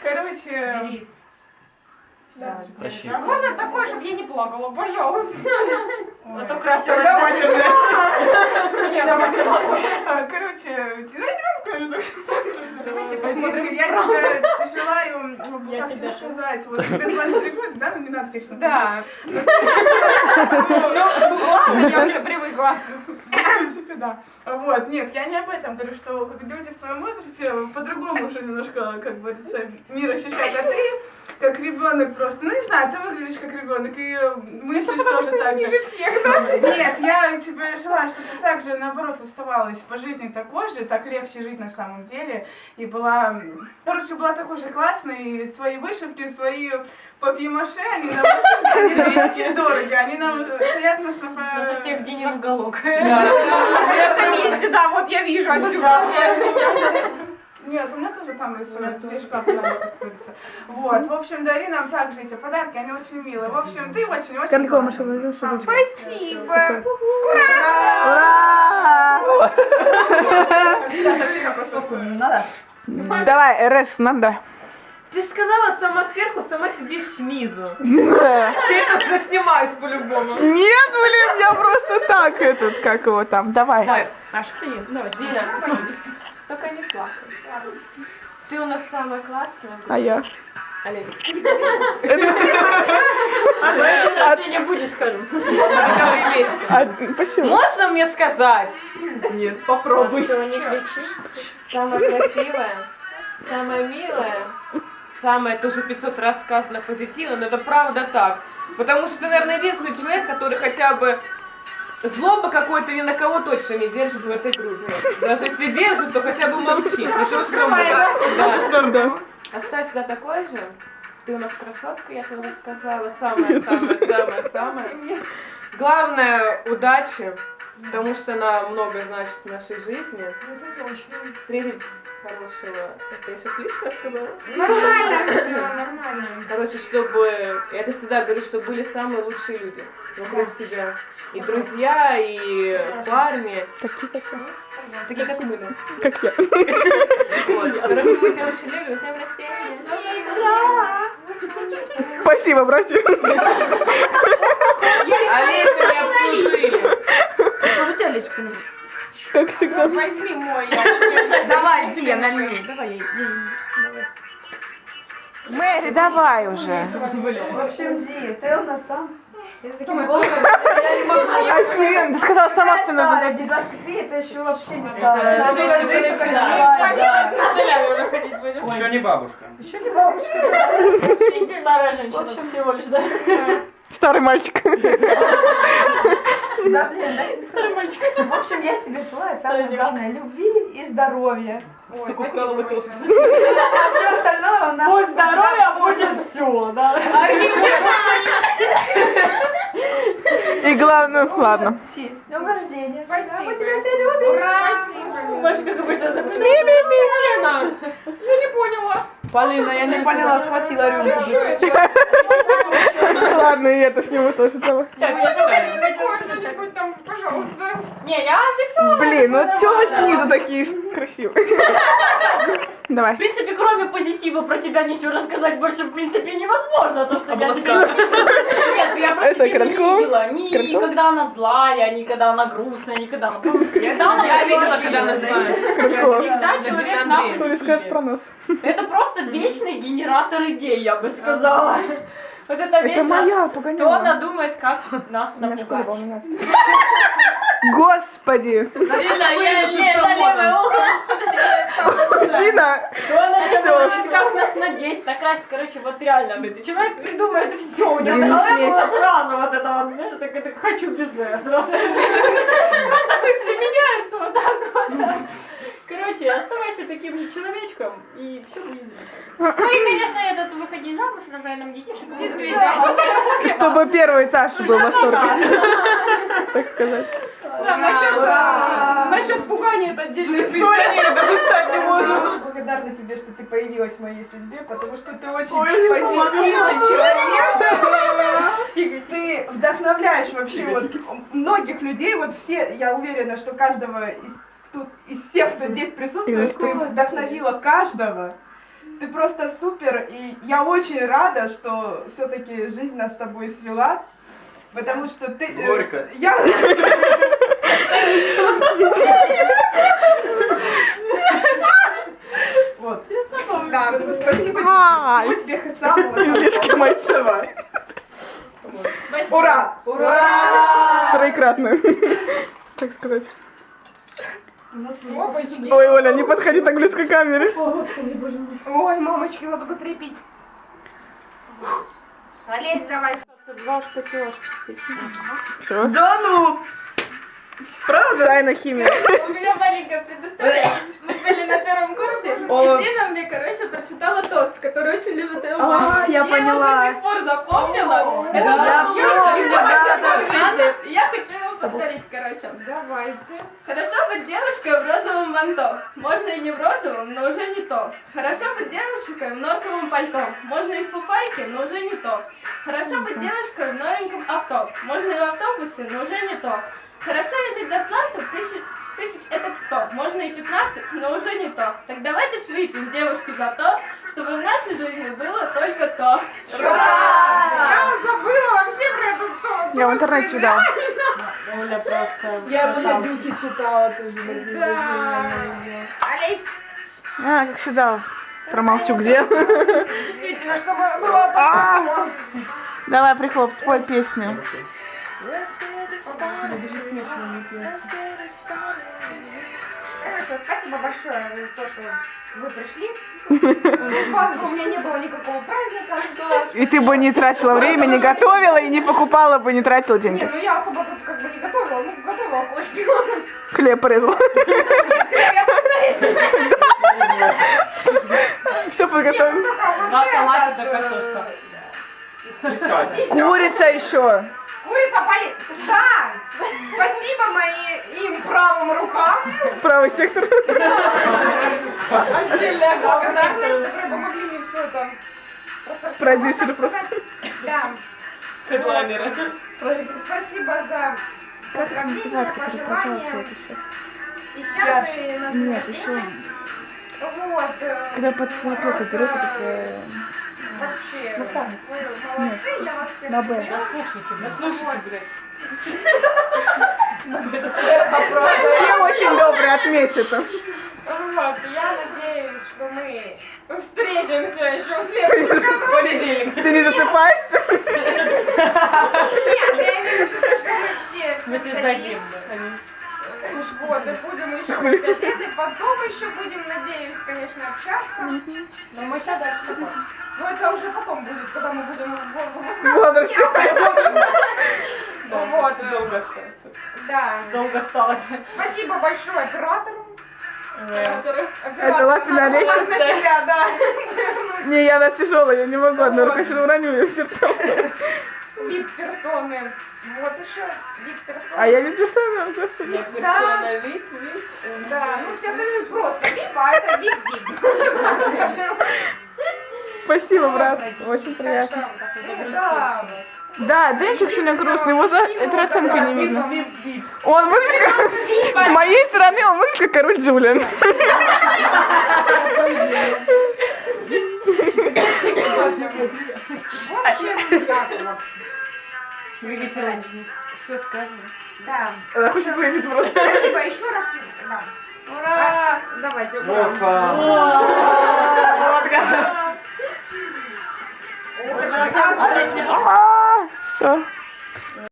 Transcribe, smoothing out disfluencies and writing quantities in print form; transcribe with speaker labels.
Speaker 1: Короче...
Speaker 2: Да,
Speaker 3: Главное такое, чтобы я не плакала, пожалуйста.
Speaker 2: а то красиво.
Speaker 1: Короче, я тебе желаю, как тебе сказать, вот тебе 23 года, да? Ну не надо, конечно.
Speaker 3: Да. Ладно, я уже привыкла.
Speaker 1: В принципе, да. Вот, нет, я не об этом говорю, что как люди в твоем возрасте по-другому уже немножко, как говорится, мир ощущают, а ты как ребенок просто. Ну не знаю, ты выглядишь как ребенок, и мыслишь тоже так же.
Speaker 3: Ниже всех, да?
Speaker 1: Нет, я тебе желаю, чтобы ты также, наоборот, оставалась по жизни такой же, так легче жить на самом деле. И была, короче, была такой же классной, и свои вышивки, свои папье-маше, они нам очень дорого, они нам стоят нас на...
Speaker 2: У нас у всех Динин уголок.
Speaker 3: В этом месте, да, вот я вижу отсюда.
Speaker 1: Нет, у меня тоже там рисуют, здесь как говорится. Вот, в общем, дари нам также эти подарки, они очень милые. В общем, ты очень-очень...
Speaker 3: Спасибо.
Speaker 4: Ура!
Speaker 1: Всегда со всеми просто...
Speaker 4: Надо.
Speaker 1: Давай, РС, надо.
Speaker 5: Ты сказала сама сверху, сама сидишь снизу. Ты это уже снимаешь по-любому.
Speaker 1: Нет, блин, я просто так этот, как его там, давай.
Speaker 4: Давай, Маша, ходи. Давай.
Speaker 5: Дина, только не плакай. Ты у нас самая классная.
Speaker 1: А я?
Speaker 5: Олег.
Speaker 2: А день не будет, скажем.
Speaker 1: Спасибо.
Speaker 5: Можно мне сказать? Нет, попробуй.
Speaker 2: Ничего не кричи.
Speaker 5: Самая красивая, самая милая, самая тоже 500 раз сказано позитивно, но это правда так. Потому что ты, наверное, единственный человек, который хотя бы злобы какой-то ни на кого точно не держит в этой группе. Даже если держит, то хотя бы молчит. Еще
Speaker 1: Да.
Speaker 5: Оставь всегда такой же. Ты у нас красотка, я тебе уже сказала. Самая. Главное, удачи, потому что она много значит в нашей жизни. Встретить хорошего. Это я сейчас лишнее сказала?
Speaker 3: Нормально, все, нормально.
Speaker 5: Короче, чтобы, я это всегда говорю, что были самые лучшие люди вокруг тебя. И друзья, и парни. Такие, как мы, да.
Speaker 1: Как я.
Speaker 5: Вот. Короче, мы тебя очень любим. С днем рождения.
Speaker 1: Спасибо, братья.
Speaker 5: Олеся не обслужили.
Speaker 4: Служите Олесю кто-нибудь?
Speaker 1: Как всегда.
Speaker 3: Возьми мой, я тебе
Speaker 4: Давай, Ди, я налью. Давай, ей.
Speaker 1: Мэри, давай уже.
Speaker 4: В общем, Ди, ты у нас сам. Я с таким
Speaker 3: голосом.
Speaker 4: голосом. Я не могу.
Speaker 1: Охеренно, ты сказала сама, что нужно
Speaker 4: Ди,
Speaker 1: записать.
Speaker 4: 23 это еще вообще не стало.
Speaker 5: Это
Speaker 4: Надо
Speaker 5: жизнь
Speaker 4: жить,
Speaker 5: только
Speaker 4: как
Speaker 5: началась,
Speaker 4: началась, да.
Speaker 3: с костылями уже ходить будем.
Speaker 6: Еще не бабушка.
Speaker 4: Еще не бабушка.
Speaker 2: Старая женщина всего лишь, да?
Speaker 1: Старый мальчик.
Speaker 4: Да, блин, дай тебе сказать.
Speaker 2: Мальчик.
Speaker 4: В общем, я тебе желаю самое главное любви и здоровья.
Speaker 3: Ой, спасибо большое.
Speaker 4: А все остальное у нас...
Speaker 2: Будь здоровья, будет все, да?
Speaker 1: И главное, ладно.
Speaker 4: Ти, днем рождения.
Speaker 3: Спасибо.
Speaker 4: Мы тебя все любим.
Speaker 3: Ура!
Speaker 2: Больше как обычно. Лена, я не поняла.
Speaker 4: Полина, я не поняла, схватила рюмку.
Speaker 1: Ладно, и это сниму тоже, давай.
Speaker 2: Так, я знаю.
Speaker 3: Такое что-нибудь там, пожалуйста.
Speaker 2: Не, я веселая.
Speaker 1: Блин, ну чё вы снизу такие красивые?
Speaker 2: В
Speaker 1: Давай.
Speaker 2: принципе, кроме позитива про тебя ничего рассказать больше, в принципе, невозможно. То, что я тебе... Нет, я просто
Speaker 1: Это
Speaker 2: тебя не
Speaker 1: Короткова?
Speaker 2: видела. Ни
Speaker 1: Короткова?
Speaker 2: когда она злая, ни когда она грустная, ни когда она... Всегда она
Speaker 5: Я видела, когда она знает.
Speaker 2: Всегда человек на
Speaker 1: Что ты скажешь про
Speaker 2: позитиве.
Speaker 1: нас?
Speaker 2: Это просто вечный генератор идей, я бы сказала. Вот это
Speaker 1: Это
Speaker 2: вечно...
Speaker 1: моя,
Speaker 2: То
Speaker 1: погоняла.
Speaker 2: она думает, как нас
Speaker 1: Меня школа
Speaker 2: напугать.
Speaker 1: волнует. Господи! Дина!
Speaker 2: То она
Speaker 1: Всё.
Speaker 2: думает, как нас надеть, накрасить. Короче, вот реально. Человек придумает все. У него
Speaker 1: Дина,
Speaker 2: в голове
Speaker 1: смесь.
Speaker 2: было сразу вот это вот, знаешь, так это хочу без сразу. Просто мысли меняются вот так вот. да. Короче, оставайся таким же человечком, и все будет замечательно. Ну и, конечно, этот выходи замуж, рожай нам детишек.
Speaker 3: Действительно.
Speaker 1: Чтобы первый этаж был в восторге, так сказать.
Speaker 3: Да, насчет пугания это отдельная история.
Speaker 1: даже стать не
Speaker 7: Я благодарна тебе, что ты появилась в моей судьбе, потому что ты очень позитивный человек. Ты вдохновляешь вообще вот многих людей, вот все, я уверена, что каждого из всех, кто здесь присутствует, ты вдохновила каждого. Ты просто супер, и я очень рада, что все-таки жизнь нас с тобой свела, потому что ты...
Speaker 6: Горько.
Speaker 7: Я... Вот. Да, спасибо тебе. Всего тебе самого.
Speaker 1: Излишки большого.
Speaker 7: Ура!
Speaker 3: Ура!
Speaker 1: Троекратно. Так сказать.
Speaker 3: Опачки.
Speaker 1: Ой, Оля, не подходи так близко к камере.
Speaker 3: Ой, мамочки, надо быстрее пить. Олесь, давай.
Speaker 2: Два шпатёшки.
Speaker 1: Все.
Speaker 7: Да ну!
Speaker 1: Правда? Тайна химия.
Speaker 2: У меня маленькая предыстория. Мы были на первом курсе,
Speaker 7: О.
Speaker 2: и Дина мне, короче, прочитала тост, который очень любит ее мама.
Speaker 7: А, я
Speaker 2: его
Speaker 7: поняла.
Speaker 2: до сих пор запомнила. Это
Speaker 7: Да,
Speaker 2: просто
Speaker 7: я
Speaker 2: лучшее,
Speaker 7: помню,
Speaker 2: что
Speaker 7: да,
Speaker 2: можно
Speaker 7: да,
Speaker 2: в жизни. И я хочу его повторить, короче.
Speaker 3: Давайте.
Speaker 2: Хорошо быть девушкой в розовом манто. Можно и не в розовом, но уже не то. Хорошо быть девушкой в норковом пальто. Можно и в фуфайке, но уже не то. Хорошо быть девушкой в новеньком авто. Можно и в автобусе, но уже не то. Хорошо иметь зарплату тысяч это 100. Можно и 15, но уже не то. Так давайте ж выпьем, девушки, за то, чтобы в нашей жизни было только то.
Speaker 3: Я забыла вообще про этот тост.
Speaker 1: Я в интернете читала.
Speaker 2: Оля просто...
Speaker 7: Я Дюки читала тоже.
Speaker 3: Олесь,
Speaker 1: А, как всегда. Промолчу, где?
Speaker 3: действительно, чтобы было только
Speaker 1: Давай, прихлоп, спой песню.
Speaker 3: Хорошо, спасибо большое за то, что вы пришли. Без вас бы у меня не было никакого праздника.
Speaker 1: И ты бы не тратила время, не готовила и не покупала бы, не тратила
Speaker 3: Не,
Speaker 1: деньги.
Speaker 3: ну я особо тут как бы не готовила, ну готовила кое-что.
Speaker 1: Хлеб порезала. Все подготовим.
Speaker 2: Два салата да картошка.
Speaker 6: Искать.
Speaker 1: Курица еще.
Speaker 3: Курица болит. Да! Спасибо моим правым рукам.
Speaker 1: Правый сектор.
Speaker 3: Отдельная благодарность, которые помогли мне все это рассортировать,
Speaker 1: Продюсеры
Speaker 3: так
Speaker 1: просто.
Speaker 3: сказать. Да.
Speaker 5: Хедлайнеры.
Speaker 3: Спасибо за поздравления, пожелания. И сейчас и на день
Speaker 1: Нет,
Speaker 3: рождения.
Speaker 1: еще.
Speaker 3: Вот.
Speaker 1: Когда под свою руку берет, это
Speaker 3: Вообще.
Speaker 1: Наставник.
Speaker 3: Вы молодцы, я вас всех
Speaker 1: на Б.
Speaker 3: люблю.
Speaker 5: Слушайте, блядь.
Speaker 1: все очень добрые, отметь это.
Speaker 3: Вот, я надеюсь, что мы встретимся еще в следующем году.
Speaker 5: Понедельник.
Speaker 1: Ты не засыпаешься?
Speaker 3: Нет, я имею в виду, что мы все
Speaker 2: Мы
Speaker 3: сдадим.
Speaker 2: создадим.
Speaker 3: Вот, и будем еще 5 лет, и потом еще будем, надеюсь, конечно, общаться.
Speaker 2: Но мы сейчас дальше.
Speaker 3: Но это уже потом будет, когда мы будем выпускать.
Speaker 1: Возраст.
Speaker 3: Вот,
Speaker 5: Долго осталось.
Speaker 3: да.
Speaker 2: Долго осталось.
Speaker 3: Спасибо большое оператору.
Speaker 1: Это Лапина Олеся?
Speaker 3: На себя, да.
Speaker 1: Не, я она тяжелая, я не могу, одной рукой сейчас уроню ее к чертям.
Speaker 3: Вип-персоны. Вот еще вип-персоны.
Speaker 1: А я не персона, господи.
Speaker 3: Да.
Speaker 5: Вид.
Speaker 3: Да, ну все остальные просто вип, а это вип-вип.
Speaker 1: Спасибо, брат, очень приятно.
Speaker 3: Да.
Speaker 1: Да, Денчик сегодня грустный, его за эту оценку не видно. Он выглядит как... С моей стороны он выглядит как король Джулиан.
Speaker 5: Видите, все сказано.
Speaker 3: Да.
Speaker 1: Она хочет выпить просто.
Speaker 3: Спасибо еще раз. Да. Ура! Давайте, ура.
Speaker 6: Опа.
Speaker 1: Все.